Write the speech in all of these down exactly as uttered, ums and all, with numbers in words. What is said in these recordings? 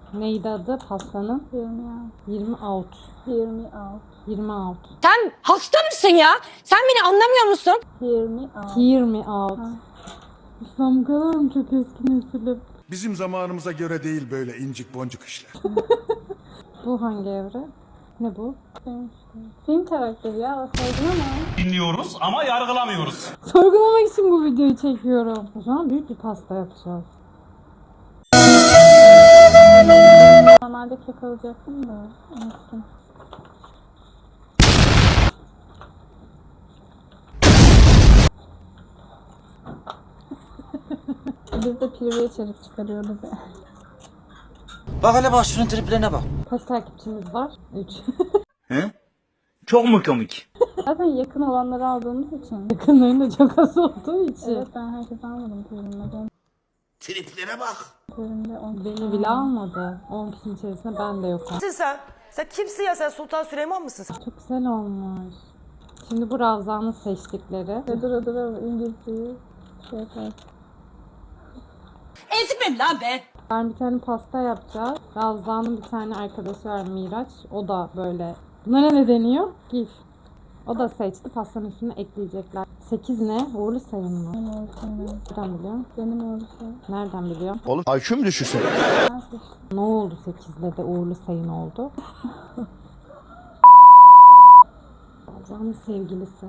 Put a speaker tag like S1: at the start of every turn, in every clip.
S1: Neydi adı pastanın? yirmi altı.
S2: yirmi altı.
S1: yirmi altı.
S3: Sen hasta mısın ya? Sen beni anlamıyor musun?
S2: yirmi altı.
S1: yirmi altı. İslam bu kadar mı çok eski nesilim?
S4: Bizim zamanımıza göre değil böyle incik boncuk işler.
S1: Bu hangi evre? Ne bu?
S2: Film karakteri ya. Saygın ama.
S5: Dinliyoruz ama yargılamıyoruz.
S1: Sorgulamak için bu videoyu çekiyorum. O zaman büyük bir pasta yapacağız.
S2: Normalde kek alacaktım da. Unuttum. Biz de pirve içerik çıkarıyoruz ya.
S6: Bak hele bak şunun triplerine bak.
S1: Kaç takipçimiz var? üç.
S5: He? Çok mu komik?
S2: Zaten yakın olanları aldığımız için.
S1: Yakınların da çok az olduğu için.
S2: Evet, ben herkese almadım pirvimle. Benim
S4: Triplere bak.
S2: pirvimde on
S1: Beni bile almadı. on kişinin içerisinde ben de yokum.
S3: Kimsin sen? Sen kimsin ya? Sen Sultan Süleyman mısın sen?
S1: Çok güzel olmuş. Şimdi bu Ravza'nın seçtikleri.
S2: Ve dura dura İngilizceyi şey yapar.
S3: Ezikmem lan be.
S1: Ben bir tane pasta yapacağız. Ravza'nın bir tane arkadaşı var Miraç. O da böyle. Bunlara ne deniyor? Gif. O da seçti. Pastanın üstüne ekleyecekler. sekiz ne? Uğurlu sayın mı?
S2: Benim olsun.
S1: Nereden biliyorsun?
S2: Benim olsun.
S1: Nereden biliyorsun?
S4: Oğlum I Q mu düşürsün?
S2: Ben seçtim.
S1: Ne oldu sekizle de uğurlu sayın oldu? Ravza'nın sevgilisi.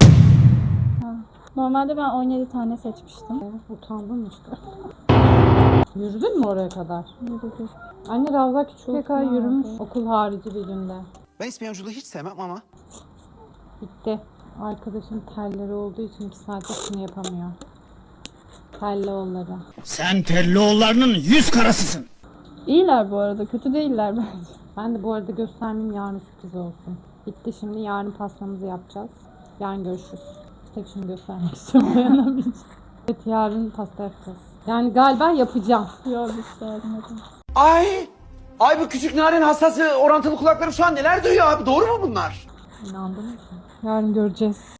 S2: Normalde ben on yedi tane seçmiştim.
S1: Utandın mı işte? Yürüdün mü oraya kadar?
S2: Yürüdük.
S1: Anne Ravza küçüklüğe kadar
S2: Olsun
S1: yürümüş.
S2: abi.
S1: Okul harici bir günde.
S6: Ben İspanyolculuğu hiç sevmem ama.
S1: Bitti. Arkadaşın telleri olduğu için iki saatte şunu yapamıyor. Telloğulları.
S5: Sen Tellioğullarının yüz karasısın.
S2: İyiler bu arada. Kötü değiller bence.
S1: Ben de bu arada göstermeyeyim, yarın sürpriz olsun. Bitti, şimdi yarın pastamızı yapacağız. Yarın görüşürüz. Tek şunu göstermek istiyorum, dayanamayacağım. Evet, yarın pasta yapacağız. Yani galiba yapacağım.
S2: Yok işte yardım edin.
S6: Ay! Ay bu küçük narin hastası orantılı kulaklarım şu an neler duyuyor abi? Doğru mu bunlar?
S1: İnandın mı sen? Yarın göreceğiz.